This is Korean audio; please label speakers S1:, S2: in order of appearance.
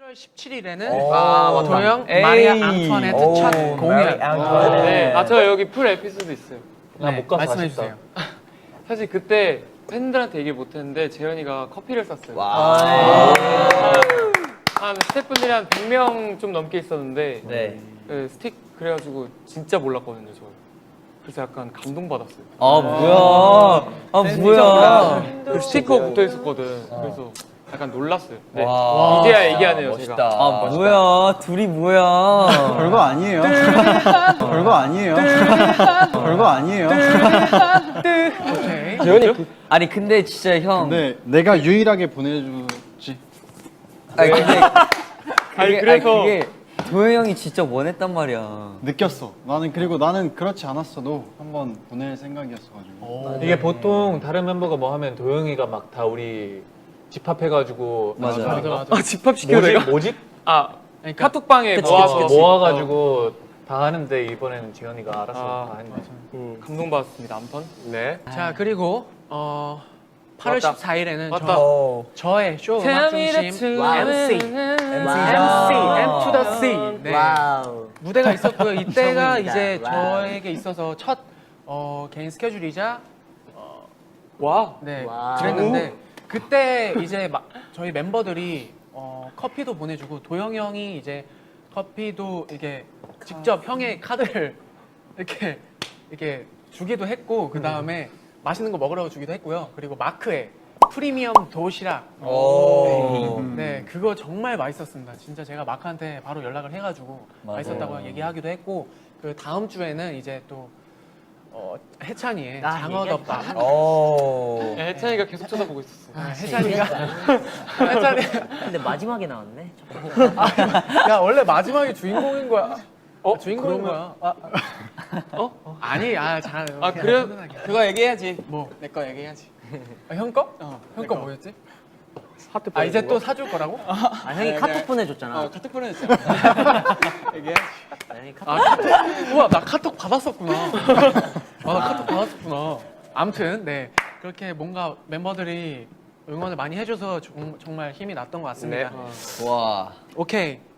S1: 8월 17일에는 도영 마리아 앙투아네트 첫 공연.
S2: 네. 아, 저 여기 풀 에피소드 있어요.
S3: 나 못 가서
S1: 말씀해
S3: 아쉽다.
S1: 주세요.
S2: 사실 그때 팬들한테 얘기 못했는데 재현이가 커피를 쐈어요. 한 스태프분들이 한 100명 좀 넘게 있었는데 그 스틱 그래가지고 진짜 몰랐거든요, 저. 그래서 약간 감동받았어요.
S4: 뭐야.
S2: 그 스티커 붙어 있었거든. 그래서 약간 놀랐어요. 네. 이제야 얘기하네요,
S4: 멋있다.
S2: 제가.
S4: 뭐야. 둘이 뭐야.
S5: 별거 아니에요. 별거 아니에요. 별거 아니에요.
S1: 오케이.
S2: 재현이
S4: 아니, 근데 진짜 형.
S5: 근데 내가 유일하게 보내주지.
S4: 아니, 근데.
S2: 아니, 그래서
S4: 그게 도영 형이 진짜 원했단 말이야.
S5: 느꼈어. 나는 그렇지 않았어도 한번 보낼 생각이었어가지고.
S3: 이게 보통 다른 멤버가 뭐 하면 도영이가 막 다 우리 집합해가지고
S4: 맞아.
S2: 집합시켜 내가?
S3: 모집?
S2: 아,
S1: 그러니까
S2: 카톡방에
S4: 그치,
S2: 모아서
S3: 모아가지고 다 하는데 이번에는 지현이가 알아서 다 했네.
S2: 감동받았습니다. 아무튼. 네.
S1: 자 그리고 8월
S2: 맞다.
S1: 14일에는
S2: 맞다.
S1: 저의 쇼 음악 중심 MC M to the C 네. 무대가 있었고요. 이때가 이제 저에게 있어서 첫 개인 스케줄이자 네 그랬는데 그때 이제 저희 멤버들이 커피도 보내주고 도영 형이 이제 커피도 이게 직접 형의 카드를 이렇게 주기도 했고 그 다음에 맛있는 거 먹으라고 주기도 했고요. 그리고 마크의 프리미엄 도시락 네 그거 정말 맛있었습니다. 진짜 제가 마크한테 바로 연락을 해가지고 맛있었다고 얘기하기도 했고 그 다음 주에는 이제 또 해찬이의 장어덮밥
S2: 해찬이가 계속 쳐다보고 있었어.
S1: 해찬이가
S6: 근데 마지막에 나왔네.
S1: 야 원래 마지막에 주인공인 거야. 주인공인 거야. 아니 잘.
S2: 그래?
S1: 그거 얘기해야지. 뭐 내 거 얘기해야지. 형 거? 형 거 뭐였지?
S2: 하트
S1: 이제 또 사줄 거라고?
S6: 형이 카톡 보내줬잖아.
S1: 카톡 보내줬잖아. 얘기해야지.
S6: 형이
S1: 우와 나 카톡 받았었구나. 나 카톡 받았었구나. 아무튼 네 그렇게 뭔가 멤버들이 응원을 많이 해줘서 정말 힘이 났던 것 같습니다.
S4: 와.
S1: 오케이.